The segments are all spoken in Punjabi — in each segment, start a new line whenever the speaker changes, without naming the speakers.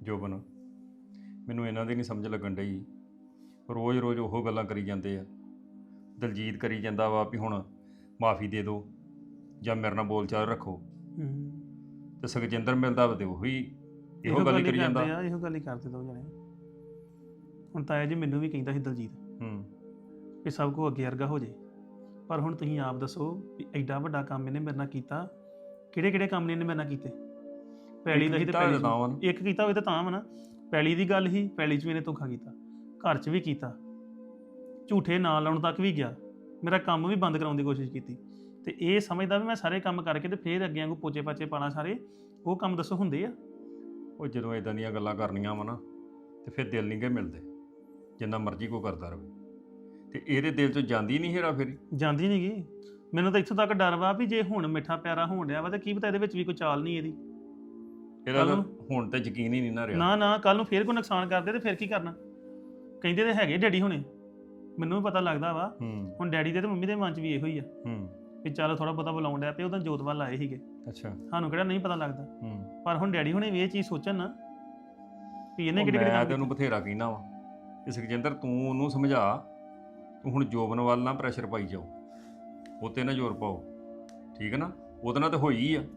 ਜੋਬਨ ਮੈਨੂੰ ਇਹਨਾਂ ਦੀ ਨਹੀਂ ਸਮਝ ਲੱਗਣ ਡਈ। ਰੋਜ਼ ਰੋਜ਼ ਉਹ ਗੱਲਾਂ ਕਰੀ ਜਾਂਦੇ ਆ। ਦਲਜੀਤ ਕਰੀ ਜਾਂਦਾ ਵਾ ਵੀ ਹੁਣ ਮਾਫੀ ਦੇ ਦਿਓ ਜਾਂ ਮੇਰੇ ਨਾਲ ਬੋਲ ਚਾਲ ਰੱਖੋ, ਤੇ ਸੁਖਜਿੰਦਰ ਮਿਲਦਾ ਵਾ ਤੇ ਉਹੀ ਇਹੋ ਗੱਲ ਹੀ ਕਰੀ ਜਾਂਦਾ।
ਇਹੋ ਗੱਲ ਹੀ ਕਰਦੇ ਦੋ ਜਣੇ। ਹੁਣ ਤਾਇਆ ਜੀ ਮੈਨੂੰ ਵੀ ਕਹਿੰਦਾ ਸੀ ਦਲਜੀਤ ਕਿ ਸਭ ਕੁਝ ਅੱਗੇ ਵਰਗਾ ਹੋ ਜੇ, ਪਰ ਹੁਣ ਤੁਸੀਂ ਆਪ ਦੱਸੋ ਵੀ ਐਡਾ ਵੱਡਾ ਕੰਮ ਇਹਨੇ ਮੇਰੇ ਨਾਲ ਕੀਤਾ, ਕਿਹੜੇ ਕਿਹੜੇ ਕੰਮ ਨੇ ਇਹਨੇ ਮੇਰੇ ਨਾਲ ਕੀਤੇ? ਪੈਲੀ ਦਾ ਹੀ ਤੇ ਪੈਲੀ ਇੱਕ ਕੀਤਾ ਹੋਵੇ ਤਾਂ ਵਾ ਨਾ। ਪੈਲੀ ਦੀ ਗੱਲ ਹੀ, ਪੈਲੀ 'ਚ ਵੀ ਇਹਨੇ ਧੋਖਾ ਕੀਤਾ, ਘਰ 'ਚ ਵੀ ਕੀਤਾ, ਝੂਠੇ ਨਾਂ ਲਾਉਣ ਤੱਕ ਵੀ ਗਿਆ, ਮੇਰਾ ਕੰਮ ਵੀ ਬੰਦ ਕਰਾਉਣ ਦੀ ਕੋਸ਼ਿਸ਼ ਕੀਤੀ। ਤੇ ਇਹ ਸਮਝਦਾ ਵੀ ਮੈਂ ਸਾਰੇ ਕੰਮ ਕਰਕੇ ਤੇ ਫੇਰ ਅੱਗੇ ਵਾਂਗੂ ਪੋਚੇ ਪਾਚੇ ਪਾਣਾ ਸਾਰੇ, ਉਹ ਕੰਮ ਦੱਸੋ ਹੁੰਦੇ ਆ?
ਉਹ ਜਦੋਂ ਇਦਾਂ ਦੀਆਂ ਗੱਲਾਂ ਕਰਨੀਆਂ ਵਾ ਨਾ ਤੇ ਫਿਰ ਦਿਲ ਨਹੀਂ ਗੇ ਮਿਲਦੇ, ਜਿੰਨਾ ਮਰਜ਼ੀ ਕੋਈ ਕਰਦਾ ਰਹੇ। ਤੇ ਇਹਦੇ ਦਿਲ 'ਚੋਂ ਜਾਂਦੀ ਨਹੀਂ ਹੇਰਾ ਫੇਰੀ,
ਜਾਂਦੀ ਨਹੀਂ ਗਈ। ਮੈਨੂੰ ਤਾਂ ਇੱਥੋਂ ਤੱਕ ਡਰ ਵਾ ਵੀ ਜੇ ਹੁਣ ਮਿੱਠਾ ਪਿਆਰਾ ਹੋਣ ਡਿਆ ਵਾ ਤੇ ਕੀ ਪਤਾ ਇਹਦੇ ਵਿੱਚ ਵੀ ਕੋਈ ਚਾਲ ਨਹੀਂ ਇਹਦੀ।
ਇਹਦਾ ਤਾਂ ਹੁਣ ਤੇ ਯਕੀਨ ਹੀ ਨਹੀਂ ਨਾ ਰਿਹਾ।
ਨਾ ਕੱਲ ਨੂੰ ਫੇਰ ਕੋਈ ਨੁਕਸਾਨ ਕਰਦੇ ਤੇ ਫਿਰ ਕੀ ਕਰਨਾ? ਕਹਿੰਦੇ ਤੇ ਹੈਗੇ ਡੈਡੀ ਹੁਣੇ, ਮੈਨੂੰ ਵੀ ਪਤਾ ਲੱਗਦਾ ਵਾ। ਹੁਣ ਡੈਡੀ ਦੇ ਤੇ ਮੰਮੀ ਦੇ ਮਨ 'ਚ ਵੀ ਇਹੋ ਹੀ ਆ ਵੀ ਚੱਲ ਥੋੜਾ ਬਹੁਤਾ ਬੁਲਾਉਣ ਡਿਆ ਪਿਆ। ਉਦੋਂ ਜੋਤਵਾਲ ਲਾਏ ਸੀਗੇ।
ਅੱਛਾ,
ਸਾਨੂੰ ਕਿਹੜਾ ਨਹੀਂ ਪਤਾ ਲੱਗਦਾ, ਪਰ ਹੁਣ ਡੈਡੀ ਹੁਣੇ ਵੀ ਇਹ ਚੀਜ਼ ਸੋਚਣ ਨਾ ਵੀ ਇਹਨੇ ਕਿਹੜੇ
ਮੈਂ ਤੇ ਉਹਨੂੰ ਬਥੇਰਾ ਕਹਿਣਾ ਵਾ ਕਿ ਸੁਖਜਿੰਦਰ ਤੂੰ ਉਹਨੂੰ ਸਮਝਾ, ਤੂੰ ਹੁਣ ਜੋਬਨ ਵੱਲ ਨਾ ਪ੍ਰੈਸ਼ਰ ਪਾਈ ਜਾਓ, ਉਹ ਤੇ ਨਾ ਜ਼ੋਰ ਪਾਓ, ਠੀਕ ਹੈ ਨਾ? ਉਹਦੇ ਨਾਲ ਤਾਂ ਹੋਈ ਆ।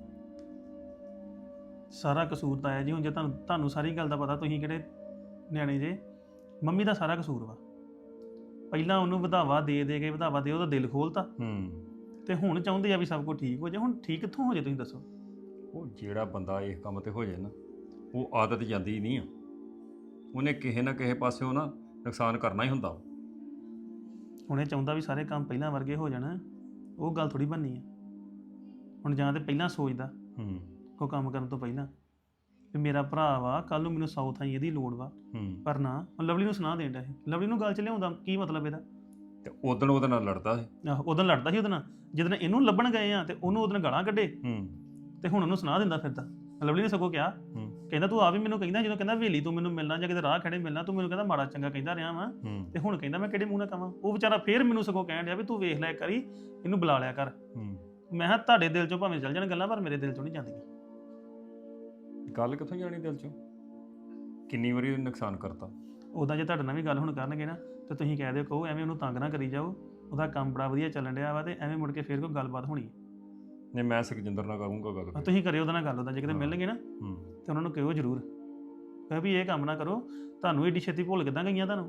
ਸਾਰਾ ਕਸੂਰ ਤਾਂ ਆਇਆ ਜੀ। ਹੁਣ ਜੇ ਤੁਹਾਨੂੰ ਸਾਰੀ ਗੱਲ ਦਾ ਪਤਾ, ਤੁਸੀਂ ਕਿਹੜੇ ਨਿਆਣੇ ਜੇ, ਮੰਮੀ ਦਾ ਸਾਰਾ ਕਸੂਰ ਵਾ। ਪਹਿਲਾਂ ਉਹਨੂੰ ਵਧਾਵਾ ਦੇ ਕੇ ਵਧਾਵਾ ਦੇ ਉਹਦਾ ਦਿਲ ਖੋਲਤਾ, ਤੇ ਹੁਣ ਚਾਹੁੰਦੇ ਆ ਵੀ ਸਭ ਕੁਝ ਠੀਕ ਹੋ ਜਾਏ। ਹੁਣ ਠੀਕ ਕਿੱਥੋਂ ਹੋ ਜਾਏ ਤੁਸੀਂ ਦੱਸੋ? ਉਹ
ਜਿਹੜਾ ਬੰਦਾ ਇਸ ਕੰਮ ਤੇ ਹੋ ਜਾਏ ਨਾ, ਉਹ ਆਦਤ ਜਾਂਦੀ ਨਹੀਂ ਆ, ਉਹਨੇ ਕਿਸੇ ਨਾ ਕਿਸੇ ਪਾਸਿਓਂ ਨਾ ਨੁਕਸਾਨ ਕਰਨਾ ਹੀ ਹੁੰਦਾ।
ਹੁਣ ਇਹ ਚਾਹੁੰਦਾ ਵੀ ਸਾਰੇ ਕੰਮ ਪਹਿਲਾਂ ਵਰਗੇ ਹੋ ਜਾਣ, ਉਹ ਗੱਲ ਥੋੜੀ ਬਣਨੀ ਆ। ਹੁਣ ਜਾਂ ਤੇ ਪਹਿਲਾਂ ਸੋਚਦਾ ਕੋਈ ਕੰਮ ਕਰਨ ਤੋਂ ਪਹਿਲਾਂ ਵੀ ਮੇਰਾ ਭਰਾ ਵਾ, ਕੱਲ ਨੂੰ ਮੈਨੂੰ ਸਾਊਥ ਆਈ ਇਹਦੀ ਲੋੜ ਵਾ, ਪਰ ਨਾ ਲਵਲੀ ਨੂੰ ਸੁਣਾ ਦੇਂਦਾ ਇਹ। ਲਵਲੀ ਨੂੰ ਗੱਲ ਚ ਲਿਆਉਂਦਾ ਕੀ ਮਤਲਬ ਇਹਦਾ?
ਤੇ ਉਦੋਂ ਉਹਦੇ ਨਾਲ ਲੜਦਾ ਸੀ।
ਆਹੋ, ਉਦੋਂ ਲੜਦਾ ਸੀ ਉਹਦੇ ਨਾਲ। ਜਦੋਂ ਇਹਨੂੰ ਲੱਭਣ ਗਏ ਆ ਤੇ ਉਹਨੂੰ ਉਹਦੇ ਨਾਲ ਗਾਲਾਂ ਕੱਢੇ, ਤੇ ਹੁਣ ਉਹਨੂੰ ਸੁਣਾ ਦਿੰਦਾ ਫਿਰਦਾ। ਲਵਲੀ ਨੇ ਸਗੋਂ ਕਿਹਾ, ਕਹਿੰਦਾ ਤੂੰ ਆ ਵੀ ਮੈਨੂੰ ਕਹਿੰਦਾ, ਜਦੋਂ ਕਹਿੰਦਾ ਹਵੇਲੀ ਤੂੰ ਮੈਨੂੰ ਮਿਲਣਾ ਜਾਂ ਕਿਤੇ ਰਾਹ ਖੜੇ ਮਿਲਣਾ, ਤੂੰ ਮੈਨੂੰ ਕਹਿੰਦਾ ਮਾੜਾ ਚੰਗਾ ਕਹਿੰਦਾ ਰਿਹਾ ਵਾ, ਤੇ ਹੁਣ ਕਹਿੰਦਾ ਮੈਂ ਕਿਹੜੇ ਮੂੰਹ ਨਾਲ ਕਵਾਂ? ਉਹ ਵਿਚਾਰਾ ਫੇਰ ਮੈਨੂੰ ਸਗੋਂ ਕਹਿਣ ਡਿਆ ਵੀ ਤੂੰ ਵੇਖ ਲਿਆ ਕਰੀ, ਇਹਨੂੰ ਬੁਲਾ ਲਿਆ ਕਰ। ਮੈਂ ਕਿਹਾ ਤੁਹਾਡੇ ਦਿਲ ਚੋਂ ਭਾਵੇਂ ਚੱਲ ਜਾਣ ਗੱਲਾਂ, ਪਰ ਮੇਰੇ ਦਿਲ ਚੋਂ ਨਹੀਂ ਜਾਂਦੀਆਂ।
ਗੱਲ ਕਿੱਥੋਂ ਜਾਣੀ ਦਿਲ ਚੋਂ? ਕਿੰਨੀ ਵਾਰੀ ਨੁਕਸਾਨ ਕਰਤਾ।
ਉਦਾਂ ਜੇ ਤੁਹਾਡੇ ਨਾਲ ਵੀ ਗੱਲ ਹੁਣ ਕਰਨਗੇ ਨਾ, ਤੇ ਤੁਸੀਂ ਕਹਿ ਦਿਓ, ਕਹੋ ਐਵੇਂ ਉਹਨੂੰ ਤੰਗ ਨਾ ਕਰੀ ਜਾਓ, ਉਹਦਾ ਕੰਮ ਬੜਾ ਵਧੀਆ ਚੱਲਣ ਡਿਆ ਵਾ, ਤੇ ਐਵੇਂ ਮੁੜ ਕੇ ਫੇਰ ਕੋਈ ਗੱਲਬਾਤ ਹੋਣੀ।
ਨਹੀਂ, ਮੈਂ ਸੁਖਜਿੰਦਰ ਨਾਲ ਕਰੂੰਗਾ ਗੱਲ।
ਤੁਸੀਂ ਕਰਿਓ ਉਹਦੇ ਨਾਲ ਗੱਲ। ਉਹਦਾ ਜੇ ਕਿਤੇ ਮਿਲਣਗੇ ਨਾ ਤੇ ਉਹਨਾਂ ਨੂੰ ਕਹੋ ਜ਼ਰੂਰ, ਕਹੋ ਵੀ ਇਹ ਕੰਮ ਨਾ ਕਰੋ, ਤੁਹਾਨੂੰ ਏਡੀ ਛੇਤੀ ਭੁੱਲ ਕਿੱਦਾਂ ਗਈਆਂ ਤੁਹਾਨੂੰ?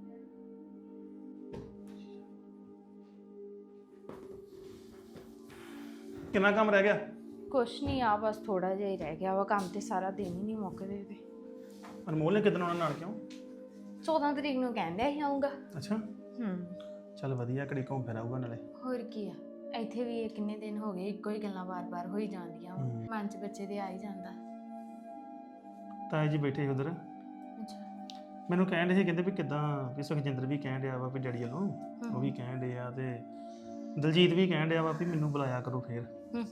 ਕਿੰਨਾ ਕੰਮ ਰਹਿ ਗਿਆ?
ਕੁਛ ਨਹੀਂ ਆ, ਬਸ ਥੋੜਾ ਜਿਹਾ ਹੀ ਰਹਿ ਗਿਆ ਵਾ ਕੰਮ, ਤੇ ਸਾਰਾ ਦਿਨ ਹੀ ਨਹੀਂ ਮੁੱਕਦੇ ਤੇ।
ਅਨਮੋਲ ਨੇ ਕਿਦਣ ਆਉਣਾ ਨਾਲ? ਕਿਉਂ
14 ਤਰੀਕ ਨੂੰ ਕਹਿੰਦੇ ਹੀ ਆਉਂਗਾ।
ਅੱਛਾ, ਚੱਲ ਵਧੀਆ, ਘੜੀ ਘੁੰਮ ਫਿਰ ਆਊਗਾ ਨਾਲੇ।
ਹੋਰ ਕੀ ਆ, ਇੱਥੇ ਵੀ ਇਹ ਕਿੰਨੇ ਦਿਨ ਹੋ ਗਏ ਇੱਕੋ ਹੀ ਗੱਲਾਂ ਵਾਰ-ਵਾਰ ਹੋਈ ਜਾਂਦੀਆਂ, ਮਨ 'ਚ ਬੱਚੇ ਦੇ ਆ ਹੀ ਜਾਂਦਾ।
ਤਾਏ ਜੀ ਬੈਠੇ ਉਧਰ,
ਅੱਛਾ,
ਮੈਨੂੰ ਕਹਿਣ ਦੇ ਸੀ, ਕਹਿੰਦੇ ਵੀ ਕਿੱਦਾਂ, ਵੀ ਸੁਖਜਿੰਦਰ ਵੀ ਕਹਿਣ ਡਿਆ ਵਾ ਵੀ ਡੈਡੀ ਵੱਲੋਂ, ਉਹ ਵੀ ਕਹਿਣ ਡਿਆ, ਤੇ ਦਲਜੀਤ ਵੀ ਕਹਿਣ ਡਿਆ ਵਾ ਵੀ ਮੈਨੂੰ ਬੁਲਾਇਆ ਕਰੋ ਫੇਰ।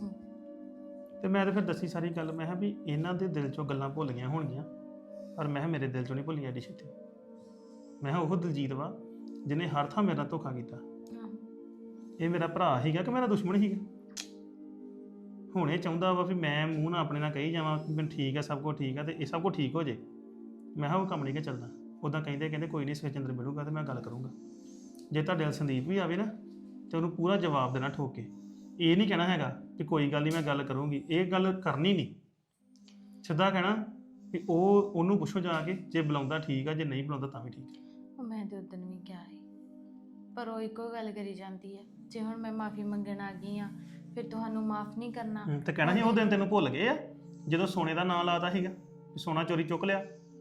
ਤੇ ਮੈਂ ਤਾਂ ਫਿਰ ਦੱਸੀ ਸਾਰੀ ਗੱਲ। ਮੈਂ ਕਿਹਾ ਵੀ ਇਹਨਾਂ ਦੇ ਦਿਲ 'ਚੋਂ ਗੱਲਾਂ ਭੁੱਲ ਗਈਆਂ ਹੋਣਗੀਆਂ, ਪਰ ਮੈਂ ਕਿਹਾ ਮੇਰੇ ਦਿਲ 'ਚੋਂ ਨਹੀਂ ਭੁੱਲੀਆਂ ਐਡੀ ਛੇਤੀ। ਮੈਂ ਕਿਹਾ ਉਹ ਦਲਜੀਤ ਵਾ ਜਿਹਨੇ ਹਰ ਥਾਂ ਮੇਰੇ ਨਾਲ ਧੋਖਾ ਕੀਤਾ। ਇਹ ਮੇਰਾ ਭਰਾ ਸੀਗਾ ਕਿ ਮੇਰਾ ਦੁਸ਼ਮਣ ਸੀਗਾ? ਹੁਣ ਇਹ ਚਾਹੁੰਦਾ ਵਾ ਵੀ ਮੈਂ ਮੂੰਹ ਨਾਲ ਆਪਣੇ ਨਾਲ ਕਹੀ ਜਾਵਾਂ ਕਿ ਮੈਨੂੰ ਠੀਕ ਹੈ, ਸਭ ਕੁਝ ਠੀਕ ਹੈ, ਤੇ ਇਹ ਸਭ ਕੁਝ ਠੀਕ ਹੋ ਜੇ। ਮੈਂ ਕਿਹਾ ਉਹ ਕੰਮ ਨਹੀਂ ਕਿ ਚੱਲਦਾ। ਉੱਦਾਂ ਕਹਿੰਦੇ ਕੋਈ ਨਹੀਂ, ਸੁਖਜਿੰਦਰ ਮਿਲੂਗਾ ਤੇ ਮੈਂ ਗੱਲ ਕਰੂੰਗਾ। ਜੇ ਤੁਹਾਡੇ ਨਾਲ ਸੰਦੀਪ ਵੀ ਆਵੇ ਨਾ, ਤੇ ਉਹਨੂੰ ਪੂਰਾ ਜਵਾਬ ਦੇਣਾ ਠੋਕ ਕੇ। ਇਹ ਨਹੀਂ ਕਹਿਣਾ ਹੈਗਾ ਕਿ ਕੋਈ ਗੱਲ ਨਹੀਂ ਮੈਂ ਗੱਲ ਕਰੂੰਗੀ, ਇਹ ਗੱਲ ਕਰਨੀ ਨਹੀਂ। ਸਿੱਧਾ ਕਹਿਣਾ ਵੀ ਉਹਨੂੰ ਪੁੱਛੋ ਜਾ ਕੇ, ਜੇ ਬੁਲਾਉਂਦਾ ਠੀਕ ਆ, ਜੇ ਨਹੀਂ ਬੁਲਾਉਂਦਾ ਤਾਂ ਵੀ ਠੀਕ ਆ।
ਮੈਂ ਤੇ ਉਦੋਂ ਵੀ ਕਿਹਾ ਸੀ, ਪਰ ਉਹ ਇੱਕੋ ਗੱਲ ਕਰੀ ਜਾਂਦੀ ਹੈ। ਜੇ ਹੁਣ ਮੈਂ ਮਾਫੀ ਮੰਗਣ ਆ ਗਈ ਆ, ਫਿਰ ਤੁਹਾਨੂੰ ਮਾਫ ਨਹੀਂ ਕਰਨਾ।
ਤੇ ਕਹਿਣਾ ਸੀ ਉਹ ਦਿਨ ਤੈਨੂੰ ਭੁੱਲ ਗਏ ਆ ਜਦੋਂ ਸੋਨੇ ਦਾ ਨਾਂ ਲਾਤਾ ਸੀਗਾ, ਸੋਨਾ ਚੋਰੀ ਚੁੱਕ ਲਿਆ।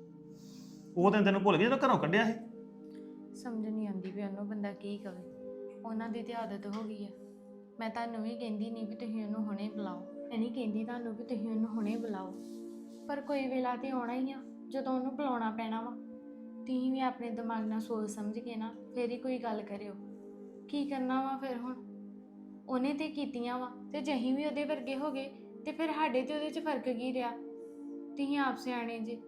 ਉਹ ਦਿਨ ਤੈਨੂੰ ਭੁੱਲ ਗਏ ਜਦੋਂ ਘਰੋਂ ਕੱਢਿਆ ਸੀ।
ਸਮਝ ਨਹੀਂ ਆਉਂਦੀ ਵੀ ਉਹਨੂੰ ਬੰਦਾ ਕੀ ਕਵੇ, ਉਹਨਾਂ ਦੀ ਤੇ ਆਦਤ ਹੋ ਗਈ ਆ। ਮੈਂ ਤੁਹਾਨੂੰ ਵੀ ਕਹਿੰਦੀ ਨਹੀਂ ਵੀ ਤੁਸੀਂ ਉਹਨੂੰ ਹੁਣੇ ਬੁਲਾਓ, ਮੈਂ ਨਹੀਂ ਕਹਿੰਦੀ ਤੁਹਾਨੂੰ ਵੀ ਤੁਸੀਂ ਉਹਨੂੰ ਹੁਣੇ ਬੁਲਾਓ, ਪਰ ਕੋਈ ਵੇਲਾ ਤੇ ਆਉਣਾ ਹੀ ਆ ਜਦੋਂ ਉਹਨੂੰ ਬੁਲਾਉਣਾ ਪੈਣਾ ਵਾ। ਤੁਸੀਂ ਵੀ ਆਪਣੇ ਦਿਮਾਗ ਨਾਲ ਸੋਚ ਸਮਝ ਕੇ ਨਾ ਫੇਰ ਹੀ ਕੋਈ ਗੱਲ ਕਰਿਓ। ਕੀ ਕਰਨਾ ਵਾ ਫਿਰ? ਹੁਣ ਉਹਨੇ ਤੇ ਕੀਤੀਆਂ ਵਾ, ਤੇ ਜੇ ਅਸੀਂ ਵੀ ਉਹਦੇ ਵਰਗੇ ਹੋ ਗਏ ਤੇ ਫਿਰ ਸਾਡੇ ਤੇ ਉਹਦੇ 'ਚ ਫਰਕ ਕੀ ਰਿਹਾ? ਤੁਸੀਂ ਆਪ ਸਿਆਣੇ ਜੀ।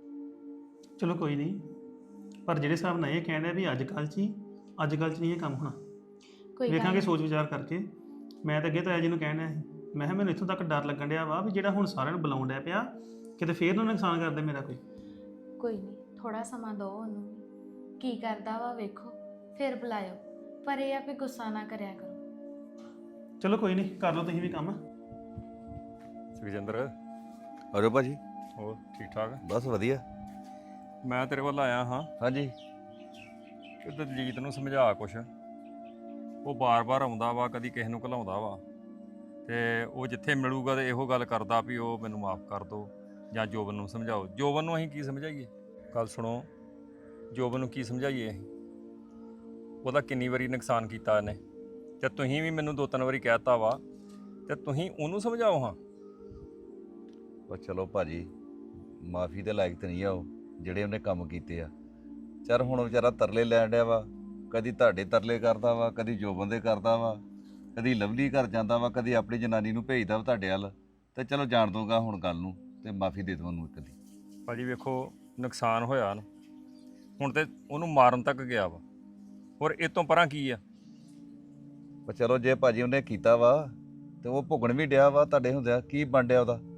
ਚਲੋ ਕੋਈ ਨਹੀਂ, ਪਰ ਜਿਹੜੇ ਹਿਸਾਬ ਨਾਲ ਇਹ ਕਹਿਣਾ ਵੀ ਅੱਜ ਕੱਲ੍ਹ 'ਚ ਨਹੀਂ ਇਹ ਕੰਮ ਹੋਣਾ। ਵੇਖਾਂਗੇ ਸੋਚ ਵਿਚਾਰ ਕਰਕੇ। ਮੈਂ ਤਾਂ ਅੱਗੇ ਤਾਂ ਜੀ ਨੂੰ ਕਹਿਣਾ ਸੀ, ਮੈਂ ਕਿਹਾ ਮੈਨੂੰ ਇੱਥੋਂ ਤੱਕ ਡਰ ਲੱਗਣ ਡਿਆ ਵਾ ਵੀ ਜਿਹੜਾ ਹੁਣ ਸਾਰਿਆਂ ਨੂੰ ਬੁਲਾਉਣ ਡਿਆ ਪਿਆ, ਕਿਤੇ ਫੇਰ ਨਾ ਨੁਕਸਾਨ ਕਰਦੇ ਮੇਰਾ ਕੋਈ।
ਕੋਈ ਨਹੀਂ, ਥੋੜਾ ਸਮਾਂ ਦਿਓ ਉਹਨੂੰ ਵੀ। ਕੀ ਕਰਦਾ ਵਾ ਵੇਖੋ, ਫਿਰ ਬੁਲਾਇਓ। ਪਰ ਇਹ ਆ ਵੀ ਗੁੱਸਾ ਨਾ ਕਰਿਆ ਕਰੋ।
ਚਲੋ ਕੋਈ ਨਹੀਂ, ਕਰ ਲਓ ਤੁਸੀਂ ਵੀ ਕੰਮ।
ਸੁਖਜਿੰਦਰ,
ਆਜੋ ਭਾਜੀ।
ਹੋਰ ਠੀਕ ਠਾਕ?
ਬਸ ਵਧੀਆ।
ਮੈਂ ਤੇਰੇ ਵੱਲ ਆਇਆ ਹਾਂ
ਹਾਂਜੀ।
ਕਿ ਦਲਜੀਤ ਨੂੰ ਸਮਝਾ ਕੁਛ। ਉਹ ਬਾਰ-ਬਾਰ ਆਉਂਦਾ ਵਾ, ਕਦੀ ਕਿਸੇ ਨੂੰ ਘਲਾਉਂਦਾ ਵਾ, ਤੇ ਉਹ ਜਿੱਥੇ ਮਿਲੂਗਾ ਤੇ ਇਹੋ ਗੱਲ ਕਰਦਾ ਵੀ ਉਹ ਮੈਨੂੰ ਮਾਫ ਕਰ ਦਿਓ ਜਾਂ ਜੋਬਨ ਨੂੰ ਸਮਝਾਓ। ਜੋਬਨ ਨੂੰ ਅਸੀਂ ਕੀ ਸਮਝਾਈਏ? ਗੱਲ ਸੁਣੋ, ਜੋਬਨ ਨੂੰ ਕੀ ਸਮਝਾਈਏ ਅਸੀਂ? ਉਹਦਾ ਕਿੰਨੀ ਵਾਰੀ ਨੁਕਸਾਨ ਕੀਤਾ ਇਹਨੇ, ਤੇ ਤੁਸੀਂ ਵੀ ਮੈਨੂੰ 2-3 ਵਾਰੀ ਕਹਿਤਾ ਵਾ, ਤੇ ਤੁਸੀਂ ਉਹਨੂੰ ਸਮਝਾਓ ਹਾਂ।
ਉਹ ਚਲੋ ਭਾਜੀ, ਮਾਫੀ ਦੇ ਲਾਇਕ ਤੇ ਨਹੀਂ ਆ ਉਹ ਜਿਹੜੇ ਉਹਨੇ ਕੰਮ ਕੀਤੇ ਆ। ਚੱਲ ਹੁਣ ਵਿਚਾਰਾ ਤਰਲੇ ਲੈਣ ਡਿਆ ਵਾ, ਕਦੀ ਤੁਹਾਡੇ ਤਰਲੇ ਕਰਦਾ ਵਾ, ਕਦੀ ਜੋਬਨ ਦੇ ਕਰਦਾ ਵਾ, ਕਦੀ ਲਵਲੀ ਘਰ ਜਾਂਦਾ ਵਾ, ਕਦੀ ਆਪਣੀ ਜਨਾਨੀ ਨੂੰ ਭੇਜਦਾ ਵਾ ਤੁਹਾਡੇ ਵੱਲ। ਤੇ ਚਲੋ ਜਾਣ ਦੂੰਗਾ ਹੁਣ ਗੱਲ ਨੂੰ, ਤੇ ਮਾਫੀ ਦੇ ਦਵਾਂ ਉਹਨੂੰ ਇੱਕ ਦੀ।
ਭਾਜੀ ਵੇਖੋ, ਨੁਕਸਾਨ ਹੋਇਆ ਨਾ, ਹੁਣ ਤੇ ਉਹਨੂੰ ਮਾਰਨ ਤੱਕ ਗਿਆ ਵਾ, ਹੋਰ ਇਹ ਤੋਂ ਪਰਾਂ ਕੀ ਆ?
ਪਰ ਚਲੋ ਜੇ ਭਾਜੀ ਉਹਨੇ ਕੀਤਾ ਵਾ ਤੇ ਉਹ ਭੁਗਣ ਵੀ ਡਿਆ ਵਾ ਤੁਹਾਡੇ ਹੁੰਦਿਆਂ, ਕੀ ਬਣ ਡਿਆ ਉਹਦਾ?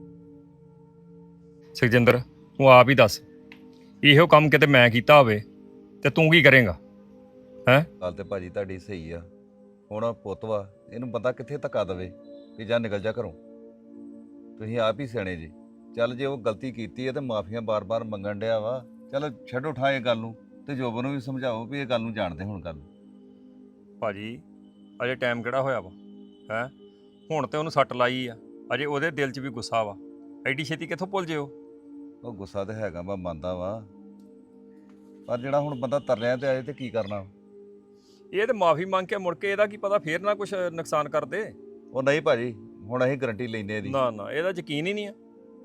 ਸੁਖਜਿੰਦਰ, ਤੂੰ ਆਪ ਹੀ ਦੱਸ, ਇਹੋ ਕੰਮ ਕਿਤੇ ਮੈਂ ਕੀਤਾ ਹੋਵੇ ਤੇ ਤੂੰ ਕੀ ਕਰੇਂਗਾ? ਹੈਂ?
ਗੱਲ ਤੇ ਭਾਜੀ ਤੁਹਾਡੀ ਸਹੀ ਆ। ਹੁਣ ਪੁੱਤ ਵਾ, ਇਹਨੂੰ ਬੰਦਾ ਕਿੱਥੇ ਧੱਕਾ ਦੇਵੇ ਵੀ ਜਾਂ ਨਿਕਲ ਜਾ ਘਰੋਂ। ਤੁਸੀਂ ਆਪ ਹੀ ਸਿਆਣੇ ਜੀ। ਚੱਲ ਜੇ ਉਹ ਗਲਤੀ ਕੀਤੀ ਹੈ ਤੇ ਮਾਫੀਆਂ ਬਾਰ-ਬਾਰ ਮੰਗਣ ਡਿਆ ਵਾ, ਚੱਲ ਛੱਡੋ ਠਾ ਇਹ ਗੱਲ ਨੂੰ, ਤੇ ਜੋਬਨ ਨੂੰ ਵੀ ਸਮਝਾਓ ਵੀ ਇਹ ਗੱਲ ਨੂੰ ਜਾਣਦੇ ਹੁਣ ਗੱਲ।
ਭਾਜੀ ਅਜੇ ਟਾਈਮ ਕਿਹੜਾ ਹੋਇਆ ਵਾ? ਹੈਂ? ਹੁਣ ਤੇ ਉਹਨੂੰ ਸੱਟ ਲਾਈ ਆ, ਅਜੇ ਉਹਦੇ ਦਿਲ 'ਚ ਵੀ ਗੁੱਸਾ ਵਾ। ਐਡੀ ਛੇਤੀ ਕਿੱਥੋਂ ਭੁੱਲ ਜੇ
ਉਹ ਗੁੱਸਾ ਤੇ ਹੈਗਾ, ਮੈਂ ਮੰਨਦਾ ਵਾ, ਪਰ ਜਿਹੜਾ ਹੁਣ ਬੰਦਾ ਤਰਲਿਆਂ ਤੇ ਆਏ ਤੇ ਕੀ ਕਰਨਾ?
ਇਹ ਤੇ ਮਾਫੀ ਮੰਗ ਕੇ ਮੁੜ ਕੇ ਇਹਦਾ ਕੀ ਪਤਾ ਫੇਰ ਨਾ ਕੁਛ ਨੁਕਸਾਨ ਕਰ ਦੇ।
ਉਹ ਨਹੀਂ ਭਾਜੀ, ਹੁਣ ਅਸੀਂ ਗਰੰਟੀ ਲੈਨੇ ਇਹਦੀ।
ਨਾ ਨਾ, ਇਹਦਾ ਯਕੀਨ ਹੀ ਨਹੀਂ ਆ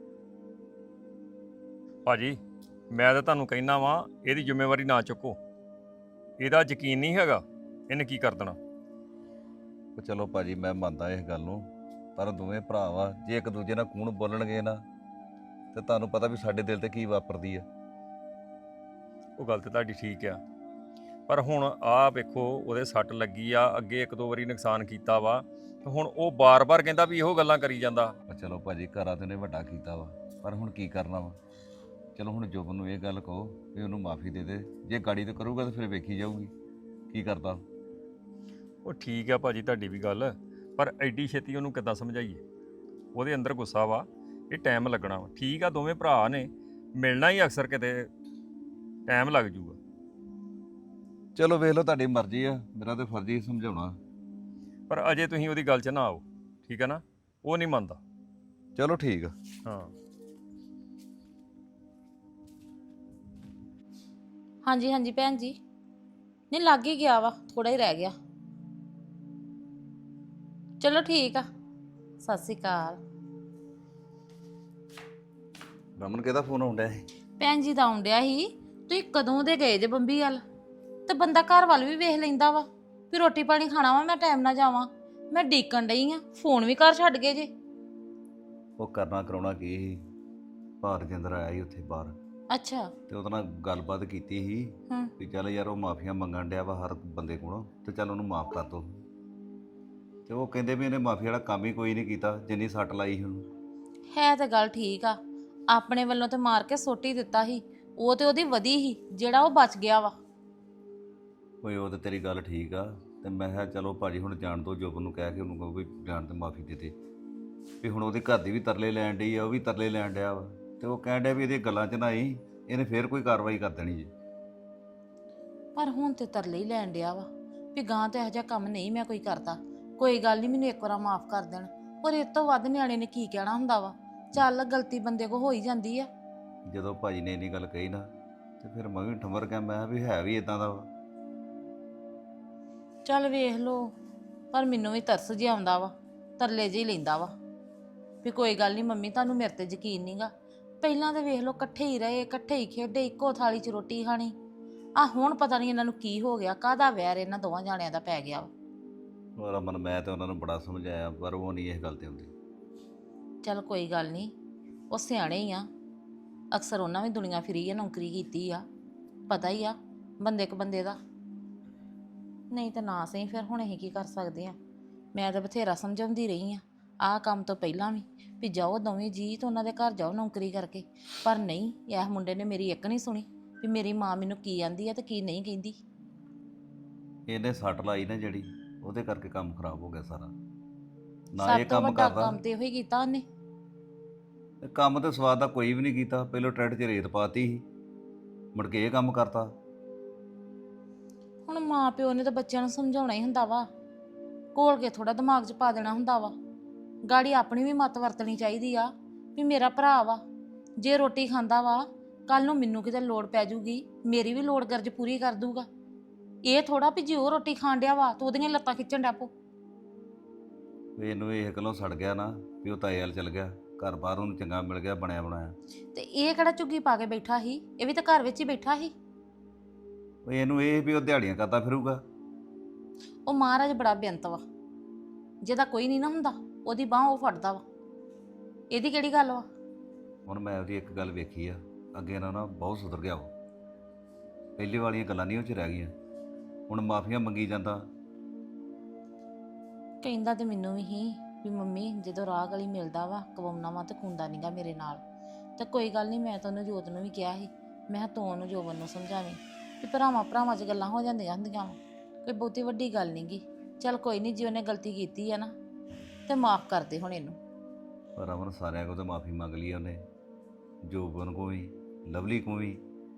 ਭਾਜੀ। ਮੈਂ ਤਾਂ ਤੁਹਾਨੂੰ ਕਹਿਣਾ ਵਾਂ, ਇਹਦੀ ਜ਼ਿੰਮੇਵਾਰੀ ਨਾ ਚੁੱਕੋ। ਇਹਦਾ ਯਕੀਨ ਨਹੀਂ ਹੈਗਾ, ਇਹਨੇ ਕੀ ਕਰ ਦੇਣਾ।
ਉਹ ਚਲੋ ਭਾਜੀ, ਮੈਂ ਮੰਨਦਾ ਇਸ ਗੱਲ ਨੂੰ, ਪਰ ਦੋਵੇਂ ਭਰਾ ਵਾ, ਜੇ ਇੱਕ ਦੂਜੇ ਨਾਲ ਕੂਣ ਬੋਲਣਗੇ ਨਾ, ਤੇ ਤੁਹਾਨੂੰ ਪਤਾ ਵੀ ਸਾਡੇ ਦਿਲ ਤੇ ਕੀ ਵਾਪਰਦੀ ਆ।
ਉਹ ਗੱਲ ਤੇ ਤੁਹਾਡੀ ਠੀਕ ਆ, ਪਰ ਹੁਣ ਆਹ ਵੇਖੋ ਉਹਦੇ ਸੱਟ ਲੱਗੀ ਆ, ਅੱਗੇ 1-2 ਵਾਰੀ ਨੁਕਸਾਨ ਕੀਤਾ ਵਾ, ਤੇ ਹੁਣ ਉਹ ਬਾਰ-ਬਾਰ ਕਹਿੰਦਾ ਵੀ ਇਹੋ ਗੱਲਾਂ ਕਰੀ ਜਾਂਦਾ।
ਪਰ ਚਲੋ ਭਾਜੀ, ਘਰਾਂ ਤੇ ਨੇ ਵੱਡਾ ਕੀਤਾ ਵਾ, ਪਰ ਹੁਣ ਕੀ ਕਰਨਾ ਵਾ। ਚਲੋ ਹੁਣ ਜੋਬਨ ਨੂੰ ਇਹ ਗੱਲ ਕਹੋ ਵੀ ਉਹਨੂੰ ਮਾਫੀ ਦੇ ਦੇ, ਜੇ ਗਾੜੀ ਤੇ ਕਰੂਗਾ ਤਾਂ ਫਿਰ ਵੇਖੀ ਜਾਊਗੀ ਕੀ ਕਰਦਾ।
ਉਹ ਠੀਕ ਆ ਭਾਜੀ ਤੁਹਾਡੀ ਵੀ ਗੱਲ, ਪਰ ਐਡੀ ਛੇਤੀ ਉਹਨੂੰ ਕਿੱਦਾਂ ਸਮਝਾਈਏ? ਉਹਦੇ ਅੰਦਰ ਗੁੱਸਾ ਵਾ, ਇਹ ਟਾਈਮ ਲੱਗਣਾ ਵਾ। ਠੀਕ ਆ, ਦੋਵੇਂ ਭਰਾ ਨੇ, ਮਿਲਣਾ ਹੀ ਅਕਸਰ ਕਿਤੇ ਟਾਈਮ ਲੱਗ ਜੂਗਾ।
ਚਲੋ ਵੇਖ ਲਓ, ਤੁਹਾਡੀ ਮਰਜ਼ੀ ਆ, ਮੇਰਾ ਤੇ ਫਰਜ਼ ਹੀ ਸਮਝਾਉਣਾ।
ਪਰ ਅਜੇ ਤੁਸੀਂ ਉਹਦੀ ਗੱਲ 'ਚ ਨਾ ਆਓ, ਠੀਕ ਆ ਨਾ? ਉਹ ਨਹੀਂ ਮੰਨਦਾ।
ਚਲੋ ਠੀਕ ਆ।
ਹਾਂ
ਹਾਂਜੀ ਹਾਂਜੀ ਭੈਣ ਜੀ, ਨਹੀਂ ਲੱਗ ਹੀ ਗਿਆ ਵਾ, ਥੋੜਾ ਹੀ ਰਹਿ ਗਿਆ। ਚਲੋ ਠੀਕ ਆ, ਸਤਿ ਸ਼੍ਰੀ ਅਕਾਲ।
ਰਮਨ ਕਿਹਦਾ ਫੋਨ ਆਉਂਦਾ ਹੈ?
ਭੈਣ ਜੀ ਦਾ ਆਉਂਦਿਆ ਸੀ, ਤੁਸੀਂ ਕਦੋਂ ਦੇ ਗਏ ਜੇ ਬੰਬੀ ਵੱਲ? ਤੇ ਬੰਦਾ ਘਰ ਵੱਲ ਵੀ ਵੇਖ ਲੈਂਦਾ ਵਾ ਵੀ ਰੋਟੀ ਪਾਣੀ ਖਾਣਾ ਵਾ, ਮੈਂ ਟਾਈਮ ਨਾਲ ਜਾਵਾਂ। ਮੈਂ ਡੀਕਣ ਡਈ ਆ, ਫੋਨ ਵੀ ਘਰ ਛੱਡ ਗਏ ਜੇ।
ਉਹ ਕਰਨਾ ਕਰਾਉਣਾ ਕੀ ਸੀ, ਭਾਰ ਜਿੰਦਰ ਆਇਆ ਸੀ ਉੱਥੇ ਬਾਹਰ,
ਅੱਛਾ।
ਤੇ ਉਹਦੇ ਨਾਲ ਗੱਲਬਾਤ ਕੀਤੀ ਸੀ
ਹੂੰ।
ਵੀ ਚੱਲ ਯਾਰ ਉਹ ਮਾਫੀਆਂ ਮੰਗਣ ਡਿਆ ਵਾ ਹਰ ਬੰਦੇ ਕੋਲੋਂ, ਤੇ ਚੱਲ ਉਹਨੂੰ ਮਾਫ ਕਰ ਦੋ। ਤੇ ਉਹ ਕਹਿੰਦੇ ਵੀ ਇਹਨੇ ਮਾਫੀ ਵਾਲਾ ਕੰਮ ਹੀ ਕੋਈ ਨਹੀਂ ਕੀਤਾ ਜਿੰਨੀ ਸੱਟ ਲਾਈ ਸੀ ਉਹਨੂੰ।
ਹੈ ਤਾਂ ਗੱਲ ਠੀਕ ਆ, ਆਪਣੇ ਵੱਲੋਂ ਤੇ ਮਾਰ ਕੇ ਸੁੱਟ ਹੀ ਦਿੱਤਾ ਸੀ, ਉਹ ਤੇ ਉਹਦੀ ਵਧੀ ਸੀ ਜਿਹੜਾ ਉਹ ਬਚ ਗਿਆ ਵਾ।
ਓਏ ਉਹ ਤੇ ਤੇਰੀ ਗੱਲ ਠੀਕ ਆ, ਤੇ ਮੈਂ ਕਿਹਾ ਚਲੋ ਭਾਜੀ ਹੁਣ ਜਾਣ ਦੋ, ਜੋਬਨ ਨੂੰ ਕਹਿ ਕੇ ਉਹਨੂੰ ਕਹੋ ਵੀ ਜਾਣ ਤੇ ਮਾਫੀ ਦੇ ਦੇ। ਵੀ ਹੁਣ ਉਹਦੇ ਘਰ ਦੀ ਵੀ ਤਰਲੇ ਲੈਣ ਡਈ ਆ, ਉਹ ਵੀ ਤਰਲੇ ਲੈਣ ਡਿਆ ਵਾ, ਤੇ ਉਹ ਕਹਿਣ ਡਿਆ ਵੀ ਇਹਦੀਆਂ ਗੱਲਾਂ 'ਚ ਨਾ ਆਈ, ਇਹਨੇ ਫੇਰ ਕੋਈ ਕਾਰਵਾਈ ਕਰ ਦੇਣੀ ਜੀ।
ਪਰ ਹੁਣ ਤੇ ਤਰਲੇ ਹੀ ਲੈਣ ਡਿਆ ਵਾ ਵੀ ਗਾਂ ਤੇ ਇਹੋ ਜਿਹਾ ਕੰਮ ਨਹੀਂ ਮੈਂ ਕੋਈ ਕਰਦਾ, ਕੋਈ ਗੱਲ ਨਹੀਂ, ਮੈਨੂੰ ਇੱਕ ਵਾਰ ਮਾਫ ਕਰ ਦੇਣ। ਪਰ ਇਸ ਤੋਂ ਵੱਧ ਨਿਆਣੇ ਨੇ ਕੀ ਕਹਿਣਾ ਹੁੰਦਾ ਵਾ? ਚੱਲ ਗਲਤੀ ਬੰਦੇ ਕੋ ਹੋ ਹੀ ਜਾਂਦੀ ਆ।
ਜਦੋਂ ਭਾਜੀ ਨੇ ਇੰਨੀ ਗੱਲ ਕਹੀ ਨਾ, ਤੇ ਫਿਰ ਮੈਂ ਵੀ ਠੰਬਰ ਗਿਆ, ਮੈਂ ਕਿਹਾ ਵੀ ਹੈ ਵੀ ਇਦਾਂ ਦਾ ਵਾ।
ਚੱਲ ਵੇਖ ਲੋ, ਪਰ ਮੈਨੂੰ ਵੀ ਤਰਸ ਜਿਹਾ ਆਉਂਦਾ ਵਾ, ਤਰਲੇ ਜਿਹੀ ਲੈਂਦਾ ਵਾ ਵੀ ਕੋਈ ਗੱਲ ਨਹੀਂ ਮੰਮੀ, ਤੁਹਾਨੂੰ ਮੇਰੇ ਤੇ ਯਕੀਨ ਨਹੀਂਗਾ। ਪਹਿਲਾਂ ਤਾਂ ਵੇਖ ਲੋ ਇਕੱਠੇ ਹੀ ਰਹੇ, ਇਕੱਠੇ ਹੀ ਖੇਡੇ, ਇੱਕੋ ਥਾਲੀ 'ਚ ਰੋਟੀ ਖਾਣੀ। ਆ ਹੁਣ ਪਤਾ ਨਹੀਂ ਇਹਨਾਂ ਨੂੰ ਕੀ ਹੋ ਗਿਆ, ਕਾਹਦਾ ਵੈਰ ਇਹਨਾਂ ਦੋਵਾਂ ਜਾਣਿਆਂ ਦਾ ਪੈ ਗਿਆ ਵਾ।
ਉਹ ਰਮਨ, ਮੈਂ ਤੇ ਉਹਨਾਂ ਨੂੰ ਬੜਾ ਸਮਝਾਇਆ, ਪਰ ਉਹ ਨਹੀਂ ਇਸ ਗੱਲ ਤੇ ਹੁੰਦੀ।
ਚੱਲ ਕੋਈ ਗੱਲ ਨਹੀਂ, ਉਹ ਸਿਆਣੇ ਹੀ ਆ, ਅਕਸਰ ਉਹਨਾਂ ਵੀ ਦੁਨੀਆ ਫਿਰੀ ਆ, ਨੌਕਰੀ ਕੀਤੀ ਆ, ਪਤਾ ਹੀ ਆ ਬੰਦੇ ਕ ਬੰਦੇ ਦਾ। ਨਹੀਂ ਤਾਂ ਨਾ ਸਹੀ, ਫਿਰ ਹੁਣ ਅਸੀਂ ਕੀ ਕਰ ਸਕਦੇ ਆ? ਮੈਂ ਤਾਂ ਬਥੇਰਾ ਸਮਝਾਉਂਦੀ ਰਹੀ ਆ, ਆਹ ਕੰਮ ਤੋਂ ਪਹਿਲਾਂ ਵੀ ਜਾਓ ਦੋਵੇਂ ਜੀ ਤੇ ਉਹਨਾਂ ਦੇ ਘਰ ਜਾਓ ਨੌਕਰੀ ਕਰਕੇ, ਪਰ ਨਹੀਂ, ਇਹ ਮੁੰਡੇ ਨੇ ਮੇਰੀ ਇੱਕ ਨਹੀਂ ਸੁਣੀ ਵੀ ਮੇਰੀ ਮਾਂ ਮੈਨੂੰ ਕੀ ਆਂਦੀ ਆ ਤੇ ਕੀ ਨਹੀਂ ਕਹਿੰਦੀ।
ਇਹਨੇ ਸੱਟ ਲਾਈ ਨਾ ਜਿਹੜੀ, ਉਹਦੇ ਕਰਕੇ ਕੰਮ ਖਰਾਬ ਹੋ ਗਿਆ ਸਾਰਾ। ਨਾ
ਸਭ
ਇਹ
ਤੋਂ
ਕੰਮ
ਵੱਡਾ
ਕਰਦਾ,
ਕੰਮ ਤੇ ਇਹੋ ਹੀ ਕੀਤਾ ਉਹਨੇ।
ਤੇ ਕੰਮ ਤੇ ਸਵਾਦ ਦਾ ਕੋਈ ਵੀ ਨਹੀਂ ਕੀਤਾ। ਪਹਿਲਾਂ ਟਰੈਕਟਰ 'ਚ ਰੇਤ ਪਾਤੀ ਸੀ, ਮੁੜ ਕੇ ਇਹ ਕੰਮ ਕਰਤਾ।
ਹੁਣ ਮਾਂ ਪਿਓ ਨੇ ਤਾਂ ਬੱਚਿਆਂ ਨੂੰ ਸਮਝਾਉਣਾ ਹੀ ਹੁੰਦਾ ਵਾ, ਘੋਲ ਕੇ ਥੋੜਾ ਦਿਮਾਗ 'ਚ ਪਾ ਦੇਣਾ ਹੁੰਦਾ ਵਾ। ਗਾੜੀ ਆਪਣੀ ਵੀ ਮੱਤ ਵਰਤਣੀ ਚਾਹੀਦੀ ਆ ਵੀ ਮੇਰਾ ਭਰਾ ਵਾ, ਜੇ ਰੋਟੀ ਖਾਂਦਾ ਵਾ ਕੱਲ ਨੂੰ ਮੈਨੂੰ ਕਿਤੇ ਲੋੜ ਪੈ ਜੂਗੀ, ਮੇਰੀ ਵੀ ਲੋੜ ਗਰਜ ਪੂਰੀ ਕਰ ਦੂਗਾ। ਇਹ ਥੋੜਾ ਵੀ ਜੇ ਉਹ ਰੋਟੀ ਖਾਣ ਡਿਆ ਵਾ ਤੂੰ ਉਹਦੀਆਂ ਲੱਤਾਂ ਖਿੱਚਣ ਡਿਆ ਪੋ।
ਵੀ ਇਹਨੂੰ ਇਹ ਗੱਲੋਂ ਸੜ ਗਿਆ ਨਾ ਵੀ ਉਹ ਤਾਏ ਵੱਲ ਚਲ ਗਿਆ, ਘਰ ਬਾਹਰ ਉਹਨੂੰ ਚੰਗਾ ਮਿਲ ਗਿਆ ਬਣਿਆ ਬਣਾਇਆ।
ਤੇ ਇਹ ਕਿਹੜਾ ਝੁੱਗੀ ਪਾ ਕੇ ਬੈਠਾ ਸੀ, ਇਹ ਵੀ ਤਾਂ ਘਰ ਵਿੱਚ ਹੀ ਬੈਠਾ ਸੀ।
ਵੀ ਇਹਨੂੰ ਇਹ ਵੀ ਉਹ ਦਿਹਾੜੀਆਂ ਕਰਦਾ ਫਿਰੂਗਾ।
ਉਹ ਮਹਾਰਾਜ ਬੜਾ ਬੇਅੰਤ ਵਾ, ਜਿਹਦਾ ਕੋਈ ਨਹੀਂ ਨਾ ਹੁੰਦਾ ਉਹਦੀ ਬਾਹ ਉਹ ਫੜਦਾ ਵਾ। ਇਹਦੀ ਕਿਹੜੀ ਗੱਲ ਵਾ?
ਹੁਣ ਮੈਂ ਉਹਦੀ ਇੱਕ ਗੱਲ ਵੇਖੀ ਆ, ਅੱਗੇ ਨਾ ਬਹੁਤ ਸੁਧਰ ਗਿਆ ਉਹ। ਪਹਿਲੀ ਵਾਲੀਆਂ ਗੱਲਾਂ ਨਹੀਂ ਉਹ 'ਚ ਰਹਿ ਗਈਆਂ, ਹੁਣ ਮਾਫੀਆਂ ਮੰਗੀ ਜਾਂਦਾ।
ਕਹਿੰਦਾ ਤੇ ਮੈਨੂੰ ਵੀ ਹੀ ਵੀ ਮੰਮੀ ਜਦੋਂ ਰਾਹ ਗਲੀ ਮਿਲਦਾ ਵਾ ਕਵਾਉਣਾ ਵਾ ਤੇ ਖੁੰਦਾ ਨਹੀਂਗਾ ਮੇਰੇ ਨਾਲ। ਤੇ ਕੋਈ ਗੱਲ ਨਹੀਂ, ਮੈਂ ਤਾਂ ਉਹਨੂੰ ਜੋਤ ਨੂੰ ਵੀ ਕਿਹਾ ਸੀ, ਮੈਂ ਕਿਹਾ ਤੂੰ ਉਹਨੂੰ ਜੋਬਨ ਨੂੰ ਸਮਝਾਵੀਂ ਵੀ ਭਰਾਵਾਂ 'ਚ ਗੱਲਾਂ ਹੋ ਜਾਂਦੀਆਂ ਹੁੰਦੀਆਂ ਵਾ, ਕੋਈ ਬਹੁਤੀ ਵੱਡੀ ਗੱਲ ਨਹੀਂਗੀ। ਚੱਲ ਕੋਈ ਨਹੀਂ, ਜੇ ਉਹਨੇ ਗਲਤੀ ਕੀਤੀ ਆ ਨਾ ਤੇ ਮਾਫ ਕਰ ਦੇ ਹੁਣ ਇਹਨੂੰ।
ਪਰ ਅਮਨ ਸਾਰਿਆਂ ਕੋਲ ਤਾਂ ਮਾਫੀ ਮੰਗ ਲਈ ਉਹਨੇ, ਜੋਬਨ ਕੋ ਵੀ, ਲਵਲੀ ਕੋ ਵੀ।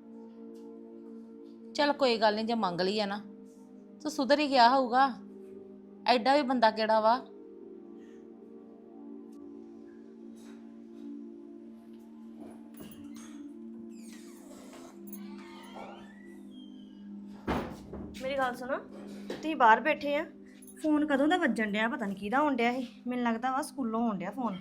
ਚੱਲ ਕੋਈ ਗੱਲ ਨਹੀਂ, ਜੇ ਮੰਗ ਲਈ ਆ ਨਾ ਤਾਂ ਸੁਧਰ ਹੀ ਗਿਆ ਹੋਊਗਾ। ਐਡਾ ਵੀ ਬੰਦਾ ਕਿਹੜਾ ਵਾ।
ਮੇਰੀ ਗੱਲ ਸੁਣੋ, ਤੁਸੀਂ ਬਾਹਰ ਬੈਠੇ ਆ, ਫੋਨ ਕਦੋਂ ਦਾ ਵੱਜਣ ਡਿਆ, ਪਤਾ ਨਹੀਂ ਕਿਹਦਾ ਆਉਣ ਡਿਆ ਸੀ। ਮੈਨੂੰ ਲੱਗਦਾ ਵਾ ਸਕੂਲੋਂ ਆਉਣ ਡਿਆ ਫੋਨ।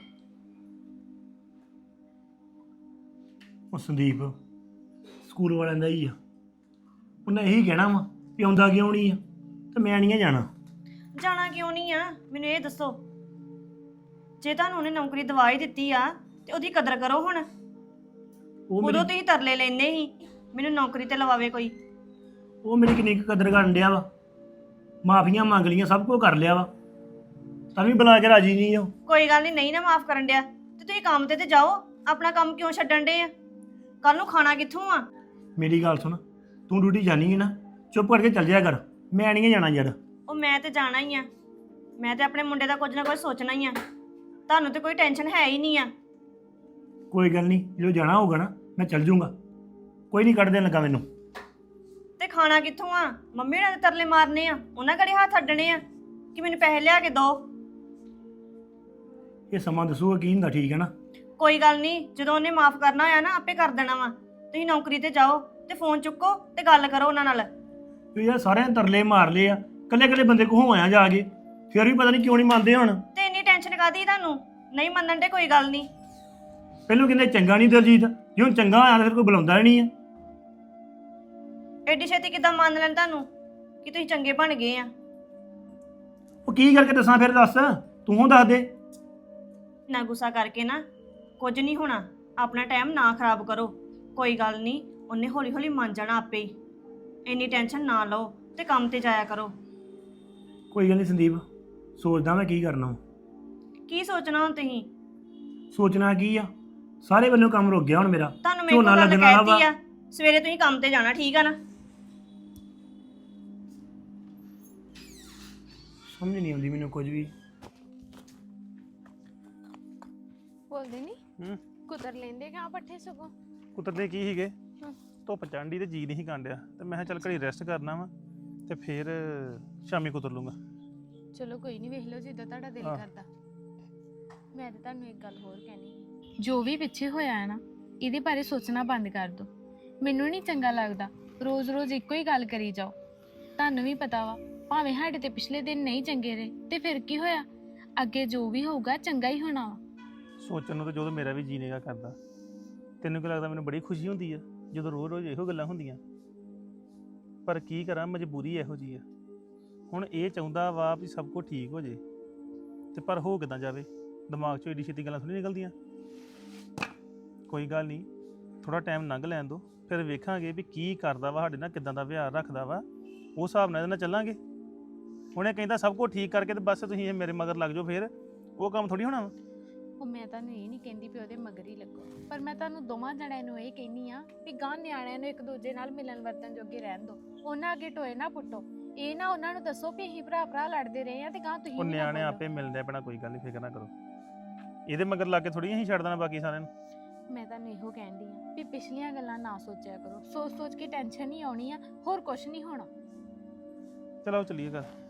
ਉਹ ਸੰਦੀਪ ਸਕੂਲ ਵਾਲਿਆਂ ਦਾ ਹੀ ਆ, ਉਹਨੇ ਇਹੀ ਕਹਿਣਾ ਵਾ ਵੀ ਆਉਂਦਾ ਕਿਉਂ ਨਹੀਂ ਆ, ਤੇ ਮੈਂ ਨਹੀਂ ਜਾਣਾ।
ਜਾਣਾ ਕਿਉਂ ਨਹੀਂ ਆ, ਮੈਨੂੰ ਇਹ ਦੱਸੋ। ਜੇ ਤੁਹਾਨੂੰ ਉਹਨੇ ਨੌਕਰੀ ਦਵਾ ਹੀ ਦਿੱਤੀ ਆ ਤੇ ਉਹਦੀ ਕਦਰ ਕਰੋ। ਹੁਣ
ਉਹ
ਉਦੋਂ
ਮੇਰੀ
ਤੁਸੀਂ ਤਰਲੇ ਲੈਂਦੇ ਸੀ ਮੈਨੂੰ ਨੌਕਰੀ ਤੇ ਲਵਾਵੇ ਕੋਈ।
ਉਹ ਮੇਰੀ ਕਿੰਨੀ ਕੁ ਕਦਰ ਕਰਨ ਡਿਆ ਵਾ, ਮਾਫੀਆਂ ਮੰਗ ਲੀਆਂ, ਸਭ ਕੁਝ ਕਰ ਲਿਆ ਵਾ, ਤਾਂ ਵੀ ਬੁਲਾ ਕੇ ਰਾਜੀ ਨਹੀਂ ਉਹ।
ਕੋਈ ਗੱਲ ਨਹੀਂ, ਨਹੀਂ ਨਾ ਮਾਫ ਕਰਨ ਡਿਆ ਤੇ ਤੁਸੀਂ ਕੰਮ ਤੇ ਜਾਓ। ਆਪਣਾ ਕੰਮ ਕਿਉਂ ਛੱਡਣ ਡੇ ਆ? ਕੱਲ ਨੂੰ ਖਾਣਾ ਕਿੱਥੋਂ ਆ?
ਮੇਰੀ ਗੱਲ ਸੁਣ, ਤੂੰ ਡਿਊਟੀ ਜਾਣੀ ਹੈ ਨਾ, ਚੁੱਪ ਕਰਕੇ ਚੱਲ ਜਾਇਆ ਕਰ, ਮੈਂ ਨਹੀਂ ਜਾਣਾ ਯਾਰ।
ਉਹ ਮੈਂ ਤੇ ਜਾਣਾ ਹੀ ਆ, ਮੈਂ ਤੇ ਆਪਣੇ ਮੁੰਡੇ ਦਾ ਕੁਝ ਨਾ ਕੁਝ ਸੋਚਣਾ ਹੀ ਆ। ਤੁਹਾਨੂੰ ਤੇ ਕੋਈ ਟੈਨਸ਼ਨ ਹੈ ਹੀ ਨਹੀਂ ਆ।
ਕੋਈ ਗੱਲ ਨਹੀਂ, ਜਦੋਂ ਜਾਣਾ ਹੋਊਗਾ ਨਾ ਮੈਂ ਚੱਲ ਜਾਊਂਗਾ, ਕੋਈ ਨਹੀਂ ਕੱਢ ਦੇਣ ਲੱਗਾ ਮੈਨੂੰ।
ਤੇ ਖਾਣਾ ਕਿੱਥੋਂ ਆ? ਮੰਮੀ ਉਹਨਾਂ ਦੇ ਤਰਲੇ ਮਾਰਨੇ ਆ, ਉਹਨਾਂ ਘੜੇ ਹੱਥ ਅੱਡਣੇ ਆ ਕਿ ਮੈਨੂੰ ਪੈਸੇ ਲਿਆ ਕੇ ਦਿਓ।
ਇਹ ਸਮਾਂ ਦੱਸੂਗਾ ਕੀ ਹੁੰਦਾ, ਠੀਕ ਹੈ ਨਾ?
ਕੋਈ ਗੱਲ ਨਹੀਂ, ਜਦੋਂ ਉਹਨੇ ਮਾਫ ਕਰਨਾ ਹੋਇਆ ਨਾ ਆਪੇ ਕਰ ਦੇਣਾ ਵਾ। ਤੁਸੀਂ ਨੌਕਰੀ ਤੇ ਜਾਓ ਤੇ ਫੋਨ ਚੁੱਕੋ ਤੇ ਗੱਲ ਕਰੋ ਉਹਨਾਂ ਨਾਲ।
ਤੂੰ ਯਾਰ ਸਾਰਿਆਂ ਨੇ ਤਰਲੇ ਮਾਰ ਲਏ ਆ, ਕੱਲੇ ਕੱਲੇ ਬੰਦੇ ਕੋ ਹੋਇਆ ਜਾ ਕੇ, ਫਿਰ ਵੀ ਪਤਾ ਨਹੀਂ ਕਿਉਂ ਨਹੀਂ ਮੰਨਦੇ ਹੁਣ।
ਤੇ ਇੰਨੀ ਟੈਨਸ਼ਨ ਕਾਦੀ ਤੁਹਾਨੂੰ? ਨਹੀਂ ਮੰਨਣ ਦੇ ਕੋਈ ਗੱਲ ਨਹੀਂ।
ਪਹਿਲੋਂ ਕਹਿੰਦੇ ਚੰਗਾ ਨਹੀਂ ਦਲਜੀਤ, ਜੇ ਹੁਣ ਚੰਗਾ ਹੋਇਆ ਤਾਂ ਫਿਰ ਕੋਈ ਬੁਲਾਉਂਦਾ ਹੀ ਨਹੀਂ ਆ।
ਐਡੀ ਛੇਤੀ ਕਿੱਦਾਂ ਮੰਨ ਲੈਣ ਤੁਹਾਨੂੰ ਕਿ ਤੁਸੀਂ ਚੰਗੇ ਬਣ ਗਏ ਆ?
ਉਹ ਕੀ ਕਰਕੇ ਦੱਸਾਂ ਫਿਰ, ਦੱਸ ਤੂੰ ਦੱਸ ਦੇ।
ਨਾ ਗੁੱਸਾ ਕਰਕੇ ਨਾ ਕੁਝ ਨਹੀਂ ਹੋਣਾ, ਆਪਣਾ ਟਾਈਮ ਨਾ ਖਰਾਬ ਕਰੋ। ਕੋਈ ਗੱਲ ਨਹੀਂ, ਉਹਨੇ ਹੌਲੀ ਹੌਲੀ ਮੰਨ ਜਾਣਾ ਆਪੇ ਹੀ। ਇੰਨੀ ਟੈਨਸ਼ਨ ਨਾ ਲਓ ਤੇ ਕੰਮ ਤੇ ਜਾਇਆ ਕਰੋ।
ਕੋਈ ਗੱਲ ਨਹੀਂ ਸੰਦੀਪ, ਸੋਚਦਾ ਮੈਂ ਕੀ ਕਰਨਾ ਵਾ।
ਕੀ ਸੋਚਣਾ ਹੁਣ ਤੁਸੀਂ?
ਸੋਚਣਾ ਕੀ ਆ, ਸਾਰੇ ਵੱਲੋਂ ਕੰਮ ਰੁਕ ਗਿਆ ਹੁਣ ਮੇਰਾ।
ਤੁਹਾਨੂੰ ਮੇਰੇ ਕੋਲ ਗੱਲ
ਲੱਗਣ ਵਾਲਾ
ਕਹਿਤੀ ਆ, ਸਵੇਰੇ ਤੁਸੀਂ ਕੰਮ ਤੇ ਜਾਣਾ, ਠੀਕ ਆ ਨਾ?
ਸਮਝ ਨਹੀਂ ਆਉਂਦੀ ਮੈਨੂੰ ਕੁਝ ਵੀ।
ਬੋਲਦੇ ਨਹੀਂ ਕੁਤਰ ਲੈਂਦੇ ਗਾ ਪੱਠੇ ਸਗੋਂ।
ਕੁੱਤਰਦੇ ਕੀ ਸੀਗੇ, ਧੁੱਪ ਚੜ੍ਹਦੀ ਤੇ ਜੀ ਨਹੀਂ ਕਾਂਡਿਆ, ਤੇ ਮੈਂ ਕਿਹਾ ਚੱਲ ਘੜੀ ਰੈਸਟ ਕਰਨਾ ਵਾ ਤੇ ਫਿਰ ਸ਼ਾਮੀ ਕੁਤਰ ਲੂੰਗਾ।
ਚਲੋ ਕੋਈ ਨਹੀਂ, ਵੇਖ ਲਓ ਜਿੱਦਾਂ ਤੁਹਾਡਾ ਦਿਲ
ਹਾਂ।
ਕਰਦਾ। ਮੈਂ ਤਾਂ ਤੁਹਾਨੂੰ ਇੱਕ ਗੱਲ ਹੋਰ ਕਹਿਣੀ, ਜੋ ਵੀ ਪਿੱਛੇ ਹੋਇਆ ਹੈ ਨਾ, ਇਹਦੇ ਬਾਰੇ ਸੋਚਣਾ ਬੰਦ ਕਰ ਦਿਓ। ਮੈਨੂੰ ਨਹੀਂ ਚੰਗਾ ਲੱਗਦਾ ਰੋਜ਼-ਰੋਜ਼ ਇੱਕੋ ਹੀ ਗੱਲ ਕਰੀ ਜਾਓ। ਤੁਹਾਨੂੰ ਵੀ ਪਤਾ ਵਾ, ਭਾਵੇਂ ਸਾਡੇ ਤੇ ਪਿਛਲੇ ਦਿਨ ਨਹੀਂ ਚੰਗੇ ਰਹੇ ਤੇ ਫਿਰ ਕੀ ਹੋਇਆ, ਅੱਗੇ ਜੋ ਵੀ ਹੋਊਗਾ ਚੰਗਾ ਹੀ ਹੋਣਾ ਵਾ।
ਸੋਚਣ ਨੂੰ ਤਾਂ ਜਦੋਂ ਮੇਰਾ ਵੀ ਜੀ ਨੇਗਾ ਕਰਦਾ। ਤੈਨੂੰ ਕੀ ਲੱਗਦਾ ਮੈਨੂੰ ਬੜੀ ਖੁਸ਼ੀ ਹੁੰਦੀ ਆ ਜਦੋਂ ਰੋਜ਼-ਰੋਜ਼ ਇਹੋ ਗੱਲਾਂ ਹੁੰਦੀਆਂ? ਪਰ ਕੀ ਕਰਾਂ, ਮਜਬੂਰੀ ਇਹੋ ਜੀ ਆ। ਹੁਣ ਇਹ ਚਾਹੁੰਦਾ ਵਾ ਵੀ ਸਭ ਕੁਝ ਠੀਕ ਹੋ ਜੇ, ਤੇ ਪਰ ਹੋ ਕਿੱਦਾਂ ਜਾਵੇ, ਦਿਮਾਗ 'ਚੋਂ ਏਡੀ ਛੇਤੀ ਗੱਲਾਂ ਥੋੜ੍ਹੀ ਨਿਕਲਦੀਆਂ। ਕੋਈ ਗੱਲ ਨਹੀਂ, ਥੋੜਾ ਟਾਈਮ ਲੰਘ ਲੈਣ ਦੋ, ਫਿਰ ਵੇਖਾਂਗੇ ਵੀ ਕੀ ਕਰਦਾ ਵਾ ਸਾਡੇ ਨਾਲ, ਕਿੱਦਾਂ ਦਾ ਵਿਹਾਰ ਰੱਖਦਾ ਵਾ, ਉਸ ਹਿਸਾਬ ਨਾਲ ਇਹਦੇ ਨਾਲ ਚੱਲਾਂਗੇ। ਹੁਣ ਇਹ ਕਹਿੰਦਾ ਸਭ ਕੁਝ ਠੀਕ ਕਰਕੇ ਤੇ ਬਸ ਤੁਸੀਂ ਇਹ ਮੇਰੇ ਮਗਰ ਲੱਗ ਜਾਓ, ਫਿਰ ਉਹ ਕੰਮ ਥੋੜੀ ਹੋਣਾ ਵਾ।
ਉਹ ਮੈਂ ਤੁਹਾਨੂੰ ਇਹ ਨਹੀਂ ਕਹਿੰਦੀ ਵੀ ਉਹਦੇ ਮਗਰ ਹੀ ਲੱਗੋ, ਪਰ ਮੈਂ ਤੁਹਾਨੂੰ ਦੋਵਾਂ ਜਣਿਆਂ ਨੂੰ ਇਹ ਕਹਿੰਦੀ ਆ ਵੀ ਗਾਂ ਨਿਆਣਿਆਂ ਨੂੰ ਇੱਕ ਦੂਜੇ ਨਾਲ ਮਿਲਣ ਵਰਤਨ ਜੋਗੇ ਰਹਿਣ ਦਿਓ। ਉਹਨਾਂ ਅੱਗੇ ਟੋਏ ਨਾ ਪੁੱਟੋ। ਇਹ ਨਾ ਉਹਨਾਂ ਨੂੰ ਦੱਸੋ ਵੀ ਅਸੀਂ ਭਰਾ ਲੜਦੇ ਰਹੇ ਆ ਤੇ ਗਾਂ ਤੁਸੀਂ
ਉਹ
ਵੀ ਨਾ
ਨਿਆਣੇ
ਬੋਲੋ।
ਆਪੇ ਮਿਲਦੇ ਆਪਣਾ, ਕੋਈ ਗੱਲ ਨਹੀਂ, ਫਿਕਰ ਨਾ ਕਰੋ। ਇਹਦੇ ਮਗਰ ਲਾ ਕੇ ਥੋੜੀ ਅਸੀਂ ਛੱਡ ਦੇਣਾ ਬਾਕੀ ਸਾਰਿਆਂ ਨੂੰ।
ਮੈਂ ਤੁਹਾਨੂੰ ਇਹੋ ਕਹਿੰਦੀ ਆ ਵੀ ਪਿਛਲੀਆਂ ਗੱਲਾਂ ਨਾ ਸੋਚਿਆ ਕਰੋ। ਸੋਚ ਕੇ ਟੈਨਸ਼ਨ ਹੀ ਆਉਣੀ ਆ, ਹੋਰ ਕੁਝ ਨਹੀਂ ਹੋਣਾ।
ਚਲੋ ਚੱਲੀਏ ਘਰ।